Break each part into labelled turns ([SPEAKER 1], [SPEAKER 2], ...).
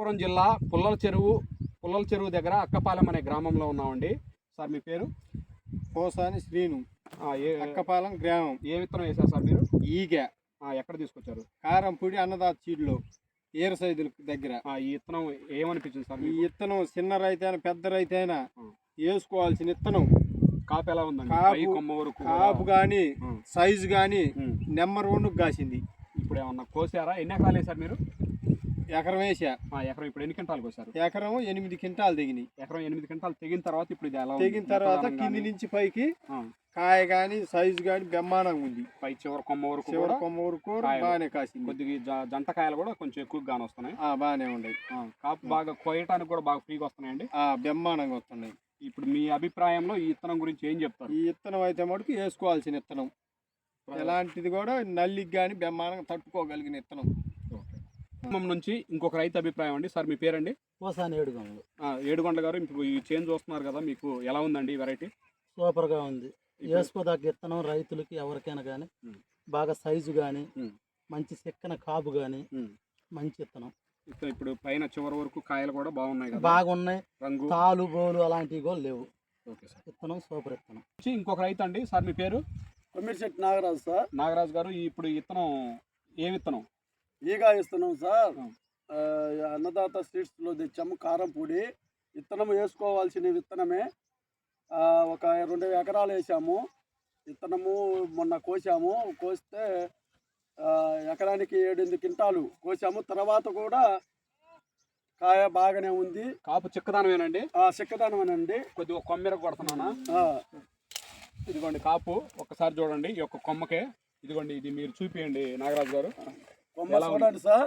[SPEAKER 1] అనంతపురం జిల్లా పుల్లల చెరువు దగ్గర అక్కపాలెం అనే గ్రామంలో ఉన్నామండి. సార్ మీ పేరు?
[SPEAKER 2] పోసాని శ్రీను. అక్కపాలెం గ్రామం.
[SPEAKER 1] ఏ విత్తనం వేశారు సార్ మీరు?
[SPEAKER 2] ఈగ.
[SPEAKER 1] ఎక్కడ తీసుకొచ్చారు?
[SPEAKER 2] కారంపూడి అన్నదాత చీడ్లో ఏరు సైదుల దగ్గర.
[SPEAKER 1] ఈ విత్తనం ఏమనిపించింది సార్?
[SPEAKER 2] ఈ విత్తనం చిన్న రైతైనా పెద్ద రైతైనా వేసుకోవాల్సిన విత్తనం.
[SPEAKER 1] కాపు ఎలా ఉందండి?
[SPEAKER 2] కాపు కానీ సైజు కానీ నెంబర్ 1 కాసింది.
[SPEAKER 1] ఇప్పుడు ఏమన్నా కోసారా? ఎన్ని ఎకరాలు వేసారు మీరు?
[SPEAKER 2] ఎకరం వేసా.
[SPEAKER 1] ఎకరం ఇప్పుడు ఎన్ని క్వింటాలు కోసారు?
[SPEAKER 2] ఎకరం 8 క్వింటాలు తెగినాయి.
[SPEAKER 1] ఎకరం 8 క్వింటాలు తెగిన తర్వాత ఇప్పుడు ఇది ఎలా
[SPEAKER 2] తెగిన తర్వాత కింది నుంచి పైకి కాయ కానీ సైజు కానీ బ్రహ్మాండంగా ఉంది.
[SPEAKER 1] పై చివరి కొమ్మ
[SPEAKER 2] వరకు బాగానే కాసింది.
[SPEAKER 1] కొద్దిగా జంట కాయలు కూడా కొంచెం ఎక్కువగా వస్తున్నాయి.
[SPEAKER 2] బాగానే ఉన్నాయి.
[SPEAKER 1] కాపు బాగా కోయటానికి కూడా బాగా ఫ్రీగా వస్తున్నాయండి.
[SPEAKER 2] బ్రహ్మాండంగా వస్తున్నాయి.
[SPEAKER 1] ఇప్పుడు మీ అభిప్రాయంలో ఈ విత్తనం గురించి ఏం చెప్తారు?
[SPEAKER 2] ఈ విత్తనం అయితే మటుకు వేసుకోవాల్సిన విత్తనం. ఎలాంటిది కూడా నల్లికి కానీ బ్రహ్మాండంగా తట్టుకోగలిగిన విత్తనం.
[SPEAKER 1] ఖమ్మం నుంచి ఇంకొక రైతు అభిప్రాయం అండి. సార్ మీ పేరండి?
[SPEAKER 3] పోసాని ఏడుగొండలు.
[SPEAKER 1] ఏడుగొండ గారు, ఇప్పుడు ఈ చేంజ్ చూస్తున్నారు కదా, మీకు ఎలా ఉందండి వెరైటీ?
[SPEAKER 3] సూపర్గా ఉంది. వేసుకోదాకా విత్తనం రైతులకి ఎవరికైనా కానీ బాగా సైజు కానీ మంచి చెక్కన కాపు కానీ మంచి విత్తనం.
[SPEAKER 1] ఇప్పుడు పైన చివరి వరకు కాయలు కూడా బాగున్నాయి కదా?
[SPEAKER 3] బాగున్నాయి. రంగు తాలు గోలు అలాంటివి కూడా లేవు.
[SPEAKER 1] ఓకే సార్,
[SPEAKER 3] విత్తనం సూపర్ విత్తనం.
[SPEAKER 1] ఇంకొక రైతు అండి. సార్ మీ పేరు?
[SPEAKER 4] కొమ్మిడిశెట్టి నాగరాజు సార్.
[SPEAKER 1] నాగరాజు గారు, ఇప్పుడు విత్తనం ఏ విత్తనం?
[SPEAKER 4] ఈగా ఇస్తున్నాం సార్. అన్నదాత సీడ్స్లో తెచ్చాము. కారంపూడి విత్తనం వేసుకోవాల్సిన విత్తనమే. ఒక 2 ఎకరాలు వేసాము. విత్తనము మొన్న కోసాము. కోస్తే ఎకరానికి 7-8 క్వింటాలు కోసాము. తర్వాత కూడా కాయ బాగానే ఉంది.
[SPEAKER 1] కాపు చిక్కదానమేనండి?
[SPEAKER 4] చిక్కదానమేనండి.
[SPEAKER 1] కొద్దిగా కొమ్మెర కొడుతున్నానా? ఇదిగోండి కాపు ఒక్కసారి చూడండి. ఈ యొక్క కొమ్మకే ఇదిగోండి, ఇది మీరు చూపియండి నాగరాజు గారు.
[SPEAKER 4] కొమ్మ చూడండి సార్.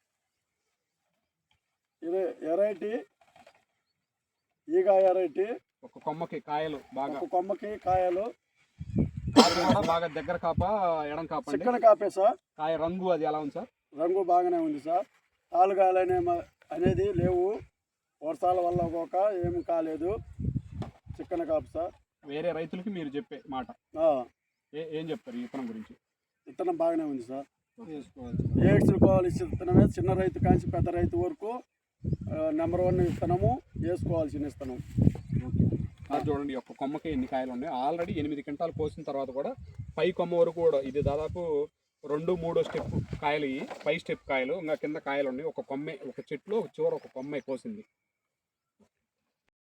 [SPEAKER 4] ఇది ఎరైటీ, ఈగ ఎరైటీ.
[SPEAKER 1] ఒక కొమ్మకి కాయలు బాగా,
[SPEAKER 4] ఒక కొమ్మకి కాయలు
[SPEAKER 1] బాగా దగ్గర కాప ఎడం కాప?
[SPEAKER 4] చిక్కన కాపే సార్.
[SPEAKER 1] కాయ రంగు అది ఎలా ఉంది సార్?
[SPEAKER 4] రంగు బాగానే ఉంది సార్. తాలుగాయలు అనేది లేవు. వర్షాల వల్ల ఒక ఏమి కాలేదు. చిక్కన కాపు సార్.
[SPEAKER 1] వేరే రైతులకి మీరు చెప్పే మాట ఏం చెప్తారు ఈ విత్తనం గురించి?
[SPEAKER 4] విత్తనం బాగానే ఉంది సార్. వేసుకోవాల్సిన విత్తనమే. చిన్న రైతు కాంచి పెద్ద రైతు వరకు నెంబర్ 1 విత్తనము వేసుకోవాల్సిన విత్తనం.
[SPEAKER 1] చూడండి, ఒక్క కొమ్మకి ఎన్ని కాయలు ఉన్నాయి. ఆల్రెడీ 8 క్వింటాలు కోసిన తర్వాత కూడా పై కొమ్మ వరకు కూడా ఇది దాదాపు 2-3 స్టెప్ కాయలు. పై స్టెప్ కాయలు ఇంకా కింద కాయలు ఉన్నాయి. ఒక కొమ్మే, ఒక చెట్లు చివర ఒక కొమ్మే కోసింది.